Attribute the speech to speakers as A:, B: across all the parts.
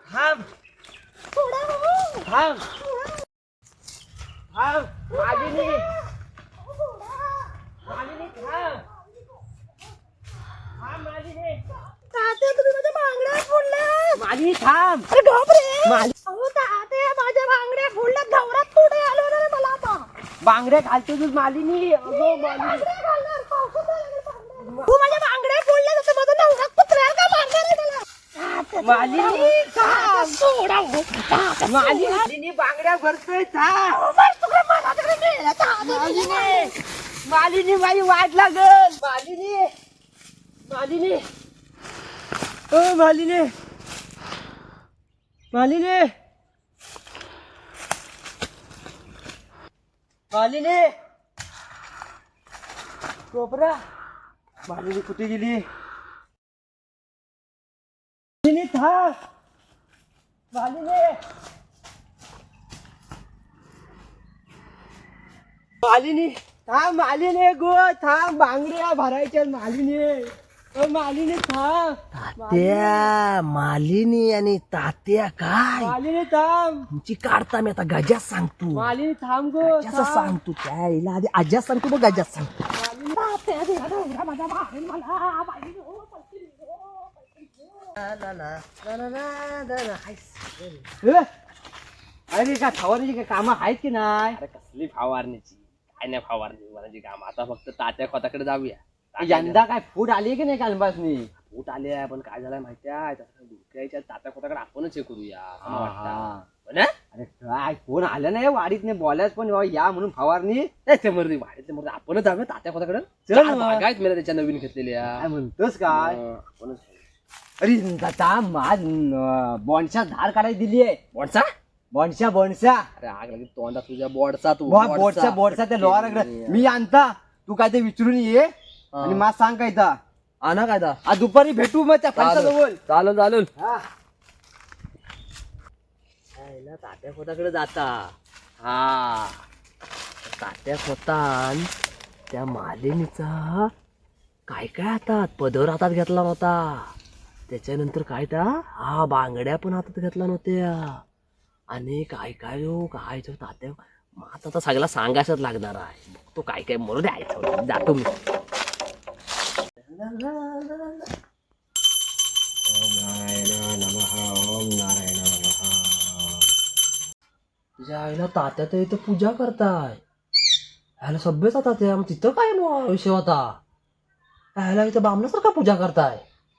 A: थांब थांब थांब मालिनी मालिनी थांब थांब मालिनी
B: तात्या तुम्ही माझ्या बांगड्या फोडल्या.
A: मालिनी थांब
B: अरे गप रे. अहो तात्या माझ्या बांगड्या फोडल्या. धवरात पुढे आलो ना रे मला आता.
A: बांगड्या घालतो तू मालिनी. अगो मालिनी
B: बांगड्या घालणार, पावसात लागेल बांगड्या. तू माझ्या बांगड्या फोडल्या तर माझा नवरा कुत्र्याला का मारणार आहे मला?
A: मालिनी
B: तात्या सोडा हो.
A: मालिनी बांगड्या भरतोय थांब.
B: अहो, बस तुकडे मला तिकडे नेलं. तात्या
A: मालिनी मालिनी माझी वाट लागल. मालिनी मालिनी ओ मालिनी मालिनी मालिनी कोपरा मालिनी कुठे गेली? मालिनी थांब मालिनी मालिनी थांब मालिनी गो थांब बांगड्या भरायच्या मालिनी. मालिनी थांब
C: तात्या मालिनी आणि तात्या काय
A: मालिनी थांब
C: तुमची काढता मी आता गजात सांगतो.
A: मालिनी थांब गो
C: गजाचं सांगतो त्याला आधी आज्यात सांगतो मग गजात सांगतो.
B: तात्या तुझा नवरा माझा मारेल मला. बाई हो, पैसे दे, हो, पैसे दे.
A: अरे का फवारणीची काय कामं आहेत की नाही?
D: अरे कसली फवारणीची काय नाही फवारणी मनाची काम. आता फक्त तात्या खोताकडे जाऊया.
A: यंदा काय फूट आली की नाही कालपासनी?
D: फूट आले आहे पण काय झालंय माहिती आहे डुक्याच्या तात्या खोताकडे आपणच हे करूया असं मला वाटतं. पण
A: अरे काय कोण आलं नाही वाडीत नाही बोलायच पण या म्हणून फवारणी
D: मर्दी वाढीतले मर्दी आपणच जाऊया तात्या खोताकडे.
A: चल मग.
D: बागायत मला त्याच्या नवीन घेतलेल्या
A: काय म्हणतोस काय?
D: आपणच
A: अरे दादा माझ बॉन्डच्या धार काढायला दिली आहे.
D: बोडचा
A: बॉन्डच्या
D: अरे आग लागली तोंडा तुझ्या बोर्डचा तू
A: बोर्डच्या त्या लोहाराकडे मी आणता तू काय ते विचारून ये आणि मला सांग काय तर
D: आणा काय
A: आज दुपारी भेटू मग त्या पंचाजवळ.
D: चालून चालून
C: तात्या खोताकडे जाता
D: हा
C: तात्या खोतान त्या मालिनीचा काय काय हातात पदर हातात घेतला नव्हता. त्याच्यानंतर काय त्या बांगड्या पण हातात घेतला नव्हत्या आणि काय काय हो काय तो तात्या आता तर सगळा सांगायच लागणार आहे. तो काय काय म्हणून द्यायचं जातो मी. तुझ्या आईला तात्या तर इथं पूजा करताय. ह्याला सभ्यच आता त्या तिथं काय विषय होता? ह्याला इथं बामणासारखा पूजा करताय.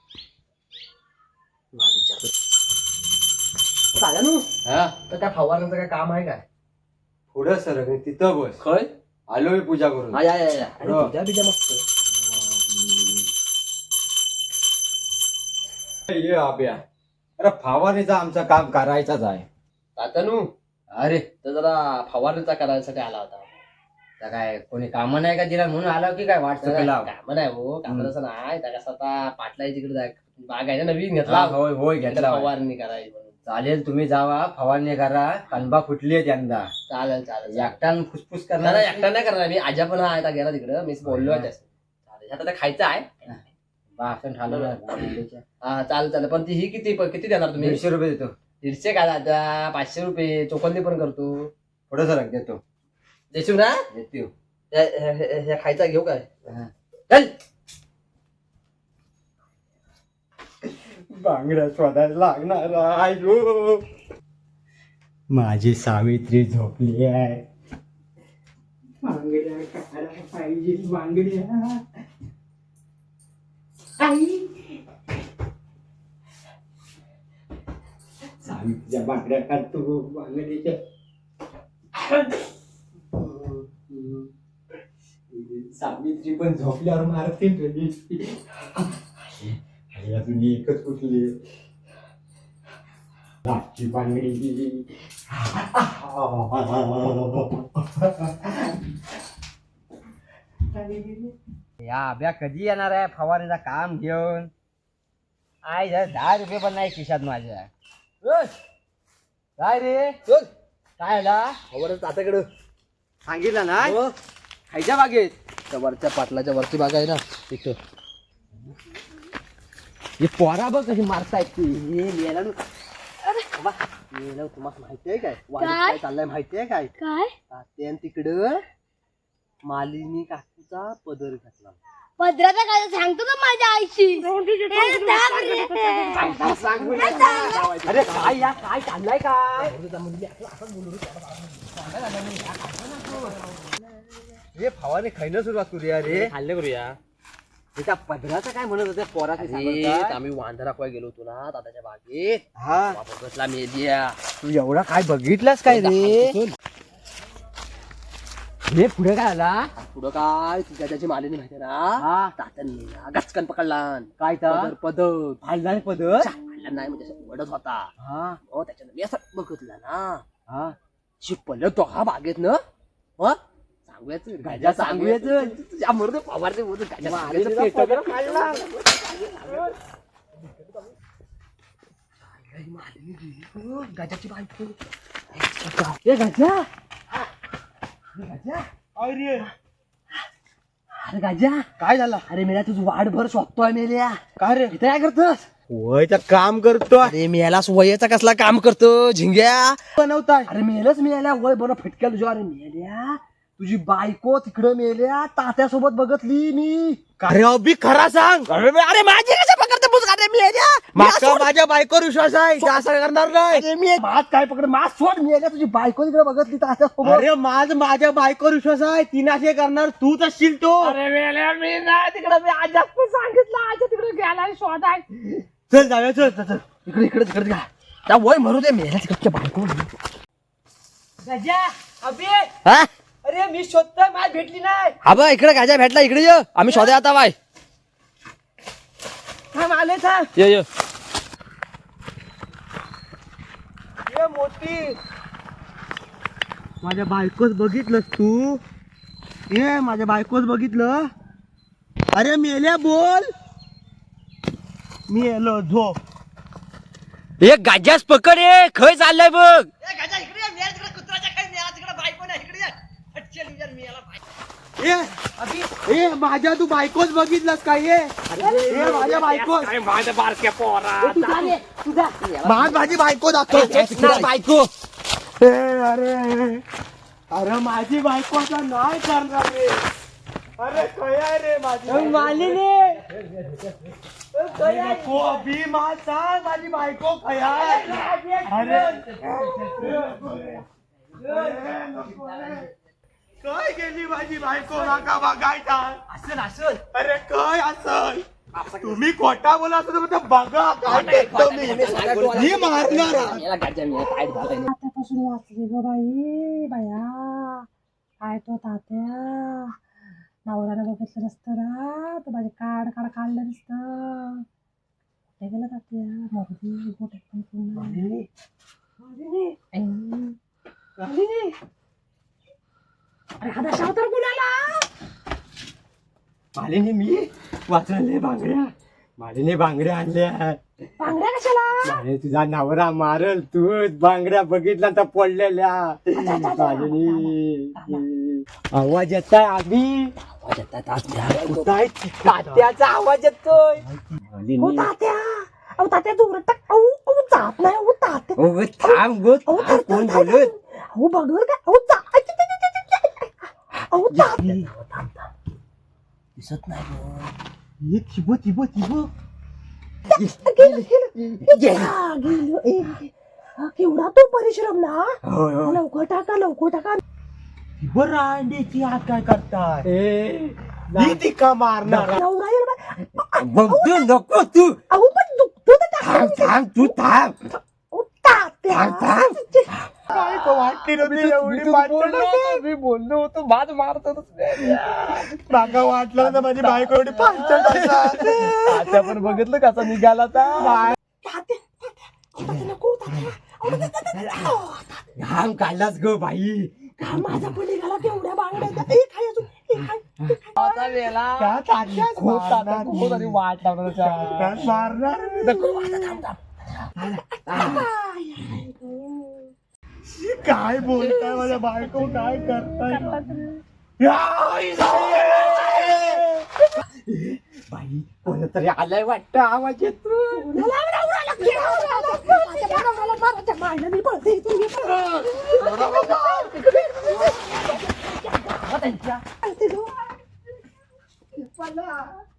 C: चालेल ना तर त्या फवारण्याचं काय काम आहे काय?
A: पुढं सर तिथं बस.
C: खय
A: आलो मी पूजा करून.
C: पूजा बिजा मस्त.
A: ये आब्या अरे फवारणीचं आमचं काम करायचंच आहे.
C: तात्यानू अरे तर जरा फवारणीचा करायसाठी आला होता. त्या काय कोणी काम नाही का दिला म्हणून आला की काय वाटतं? काम नाही हो काम तसं नाही. त्या कसं आता पाटला तिकडे जाय बाग आहे ना नवीन घेतला.
A: होय होय घेतला.
C: फवारणी करायची म्हणून.
A: चालेल तुम्ही जावा फवारणी करा. कणबा फुटली आहे यंदा.
C: चालेल चालेल
A: एकटान फुसफुस
C: नाही
A: करणार.
C: एकटा नाही करणार मी. आजा पण हा आता गेला तिकडं मी बोललो आहे त्याचं. चालेल आता ते खायचं आहे.
A: भाषण ठाणं
C: हा चालेल चालेल पण ती ही किती किती देणार तुम्ही?
A: 150 रुपये देतो.
C: 150 का दादा? 500 रुपये चोकंदी पण करतो.
A: पुढे सरक देतो.
C: देशील ना?
A: देतो.
C: ह्या खायचा घेऊ काय?
A: चल बांगड्या शोधायला लागणार आहे. माझी सावित्री झोपली आहे. बांगड्या काढायला पाहिजे. बांगड्या आई सावित्रीच्या बांगड्या काढतो. बांगड्याच्या सावित्री पण झोपल्यावर मारते. अजून एकच कुठली लाटची बांगडी. या अभ्या कधी येणार आहे फवारीचं काम घेऊन? आय 10 रुपये पण नाही खिशात माझ्या. काय रे काय आला?
C: तात्याकडं
A: सांगितलं ना
C: हो.
A: खायच्या बागेत.
C: त्या वरच्या पाटलाच्या वरची बाग आहे ना तिथं.
A: हे पोरा बघ कशी मारतायत ती. हे लिहायला
C: तुम्हाला माहितीये काय वाडीत काय चाललंय माहितीये काय
B: काय
C: तात्यान तिकडं मालिनी काकूचा पदर घातला.
B: पदराचा काय सांगतो का माझ्या आईशी
C: अरे काय या काय चाललंय काय
A: हे फवारणी खायला सुरुवात करूया रे.
D: खाल्ले करूया.
A: त्याच्या पदराचं काय म्हणत होते पोराचे
D: अरे
A: सांगत
D: आम्ही वांदा राखवाय गेलो होतो ना दादाच्या बागेत.
A: हा
D: बघतला मेलिया.
A: तू एवढा काय बघितलास काय रे. हे पुढे काय आला
D: पुढं काय तुझ्या त्याची मालिनी माहिती ना
A: हा
D: तात्यांनी गचकन पकडला.
A: काय तर
D: पदर
A: फालदार पदर
D: फाडला नाही म्हणजे असं वडत होता.
A: हा
D: हो त्याच्यानं मी असं बघितलं ना
A: हा
D: शिपलं तो हा बागेत ना हो सांगूयाच
A: गाजा सांगूयाचं.
D: तुझ्या मरून फवारते बोलतो गाजा
A: मालिनीचा
D: सांगायचं
A: पदर
D: पेटवलं.
A: फाडला.
D: मालिनी गेली हो, गाजाची बायको.
A: ए गाजा
C: अरे
D: अरे गाजा
A: काय झाला
D: अरे मेल्या तुझं वाढभर शोधतोय मेल्या.
A: काय रे
D: इथे काय करतोस.
A: वयचा काम करतो
D: अरे मेला वयाचा कसला काम करतो झिंग्या.
A: बनवताय.
D: अरे मेलच मेल्या वय बरं फटक्या तुझ्या. अरे मेल्या तुझी बायको तिकडं मेल्या तात्यासोबत बघतली मी.
A: अरे अभि खरा सांग.
D: अरे माझी कसं पकडते पुस्तक. अरे मेल्या
A: माका माझ्या बायकोवर विश्वास आहे ते असं करणार नाही.
D: अरे मी मात काय पकड मात सोड मेल्या तुझी बायको तिकडे बघतली तात्यासोबत.
A: अरे माझ्या बायकोवर विश्वास आहे तिने असे करणार तूच असशील तो.
D: अरे मेल्या मी नाही तिकडे मी आजा सांगितलं आजा तिकडे गेला शोधाय.
A: चल जाऊया चल चल, चल.
D: इकडे इकडे तिकडे घ्या त्या वय म्हणू दे मेल्या तिकडच्या बायको.
A: गजा अभि
D: हा
A: अरे मी शोधतोय माझ भेटली नाही.
D: हा बा इकडे गाजा भेटला इकडे ये आम्ही शोधा आता बाय.
A: थांब आले थांब.
D: ये
A: ये मोठी माझ्या बायकोच बघितलंस तू. ये माझ्या बायकोच बघितलं. अरे मेल्या बोल. मी येलो झोप.
D: एक गाजाच पकड ये खय चाललंय बघ.
A: ए माझ्या तू बायकोच बघितलास काय. ये माझ्या बायको
D: माझ्या बारक्या पोरा
A: माझी बायको दाखव.
D: बायको.
A: अरे अरे माझी बायको आता नाही करणार रे. अरे कया रे माझी मालिनी नको अभि मा सांग माझी बायको कया. अरे काय गेली माझी बायको नका बघायचा.
D: असेल असेल.
A: अरे काय असं तुम्ही खोटा बोला असं तर बघा काय भेटतो मी मारणार.
B: तात्यापासून वाचली ग बाई बाया. काय तो तात्या नवऱ्यानं बघितलं नसतं ना तर माझे काढ काढलं नसतं. कुठे गेलं तात्या मरुदी गोट्यात पण पुन्हा. अरे हा दशा तर कुणाला.
A: मालिनी मी वाचले बांगड्या. मालिनी बांगड्या आणल्या.
B: बांगड्या कशाला.
A: अरे तुझा नवरा मारल तू बांगड्या बघितला तर पडलेल्या. मालिनी आवाज येताय आधी. तात्याचा आवाज येतोय.
B: हो तात्या अहो तात्या जोरात टाक. अहो जात नाही. अहो तात्या
A: थांब गो कोण बोलत.
B: अहो बघ काय. अहो जा अहो तात्या
D: दिसत नाही.
A: हे थिबो थिबो थिबो
B: केवढा तो परिश्रम ना.
A: होय, होय.
B: लवकर टाका.
A: थिबो रांडेची आत काय करताय. ती का मारणार.
B: नवरा येईल बा.
A: बघतो नको तू.
B: अहो पण दुखतो तर
A: थांब तू थांब.
B: अहो तात्या
A: काय तो वाटली नव्हती एवढी पाचड.
D: मी बोललो होतो बाद मारतो.
A: मागा वाटलं ना माझी बायको एवढी पाचड.
D: आता पण बघितलं कसा निघाला
B: नको तात्या.
A: घाम काढलाच ग बाई.
B: माझा पण निघाला केवढ्या बांगड्या. एक आहे अजून एक आहे.
A: त्या तात्याच मारणार.
D: वाट
A: तात्याच मारणार. काय बोलताय माझ्या बायको काय करताय. बाई कोणतरी आलाय वाटतं आवाज येतो.
B: आईला मी पळते इथून, मी पळते.